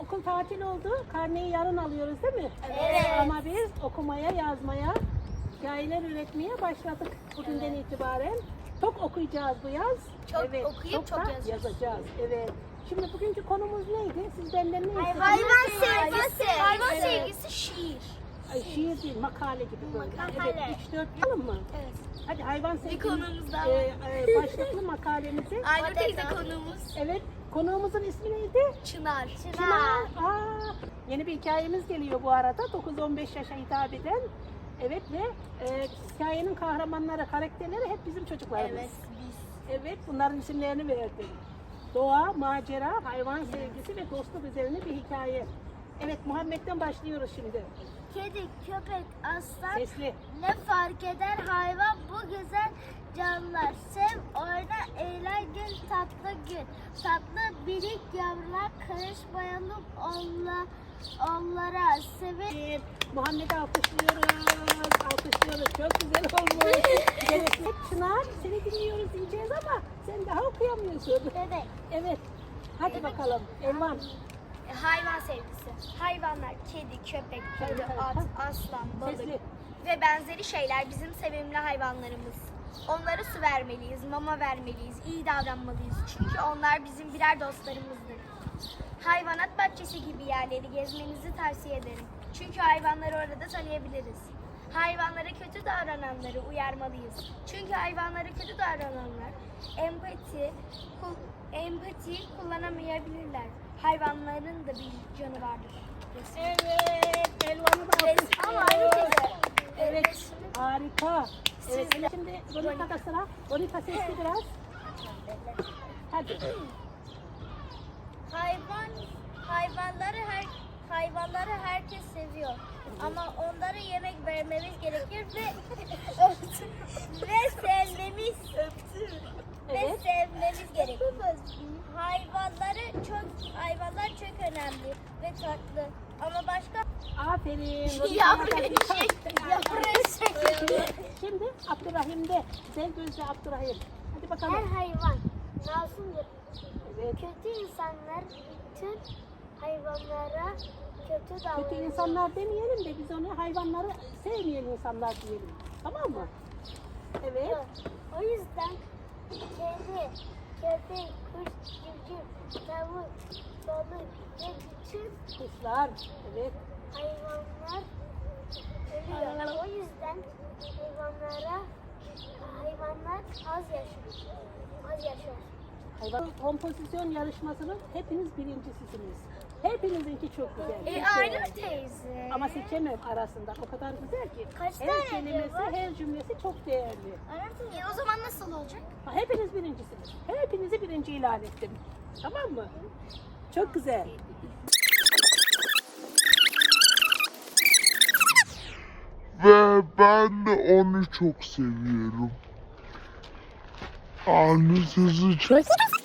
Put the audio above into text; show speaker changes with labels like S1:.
S1: okul tatil oldu. Karneyi yarın alıyoruz değil mi?
S2: Evet.
S1: Ama biz okumaya, yazmaya, hikayeler üretmeye başladık bugünden itibaren. Çok okuyacağız bu yaz.
S2: Çok okuyup çok
S1: da
S2: yazacağız.
S1: yazacağız. Evet. Şimdi bugünkü konumuz neydi? Siz benden ne istediniz?
S2: Hayvan sevgisi. Hayvan
S1: Evet.
S2: sevgisi şiir.
S1: Ay, şiir değil, makale gibi böyle.
S2: Makale.
S1: Evet, 3-4 yapalım mı?
S2: Evet.
S1: Hadi hayvan sevgisi.
S2: konumuz daha
S1: Başlıklı makalemizi.
S2: Aynur teyze konuğumuz
S1: Evet, konuğumuzun ismi neydi?
S2: Çınar.
S1: Çınar. Yeni bir hikayemiz geliyor bu arada. 9-15 yaşa hitap eden. Evet ve hikayenin kahramanları, karakterleri hep bizim çocuklarımız.
S2: Evet biz.
S1: Evet, bunların isimlerini verdim. Doğa, macera, hayvan sevgisi ve dostluk üzerine bir hikaye. Evet, Muhammed'den başlıyoruz şimdi.
S3: Kedi, köpek, aslan
S1: Sesli.
S3: ne fark eder hayvan bu güzel canlılar. Sev, oyna, eğlen, gül, tatlı gün. Tatlı birik yavrular karışmayalım onlara. Sevin.
S1: Muhammed'i alkışlıyoruz. Alkışlıyoruz. Çok güzel olmuş. Evet, Çınar, seni dinliyoruz diyeceğiz ama sen daha okuyamıyorsun.
S3: Evet.
S1: Evet. Hadi bakalım. Elvan.
S2: Hayvan sevgisi. Hayvanlar kedi, köpek, kedi, at, aslan, balık
S1: Sesli.
S2: ve benzeri şeyler bizim sevimli hayvanlarımız. Onlara su vermeliyiz, mama vermeliyiz, iyi davranmalıyız. Çünkü onlar bizim birer dostlarımızdır. Hayvanat bahçesi gibi yerleri gezmenizi tavsiye ederim. Çünkü hayvanları orada tanıyabiliriz. Hayvanlara kötü davrananları uyarmalıyız. Çünkü hayvanlara kötü davrananlar empati kullanamayabilirler. Hayvanların da bir canı vardır.
S1: Evet. Elvan'ı da
S2: Ama Aynur
S1: alkışlıyoruz.
S2: teyze.
S1: Evet. Harika. Evet. Şimdi Bonita'da sıra. Bonita sesli biraz. Hadi.
S3: Hayvanları herkes seviyor. Ama onlara yemek vermemiz gerekir ve
S1: Evet.
S3: sevmemiz gerekir. Hayvanlar çok önemli ve tatlı. Ama başka
S1: Aferin. Şimdi Abdurrahim'de. Güzel gözlü Abdurrahim. Hadi bakalım.
S3: her hayvan masumdur.
S1: Evet.
S3: Kötü insanlar bütün hayvanlara kötü davranıyor.
S1: Kötü insanlar demeyelim de biz onu hayvanları sevmeyen insanlar diyelim. Tamam mı? Evet.
S3: O yüzden kedi, köpek, kuş, civciv, tavuk, balık ve bütün
S1: Kuşlar. Evet.
S3: hayvanlar ölüyor. O yüzden hayvanlar az yaşıyor.
S1: Hayvan kompozisyon yarışmasının hepiniz birincisisiniz. Hepinizinki çok güzel.
S2: Aynur teyze.
S1: Ama seçemem arasında. O kadar güzel ki.
S3: Kaç
S1: her
S3: tane
S1: kelimesi,
S3: var?
S1: her cümlesi çok değerli.
S2: O zaman nasıl olacak?
S1: Hepiniz birincisiniz. Hepinizi birinci ilan ettim. Tamam mı? Çok güzel.
S4: Ve ben de onu çok seviyorum. Anne sesi çok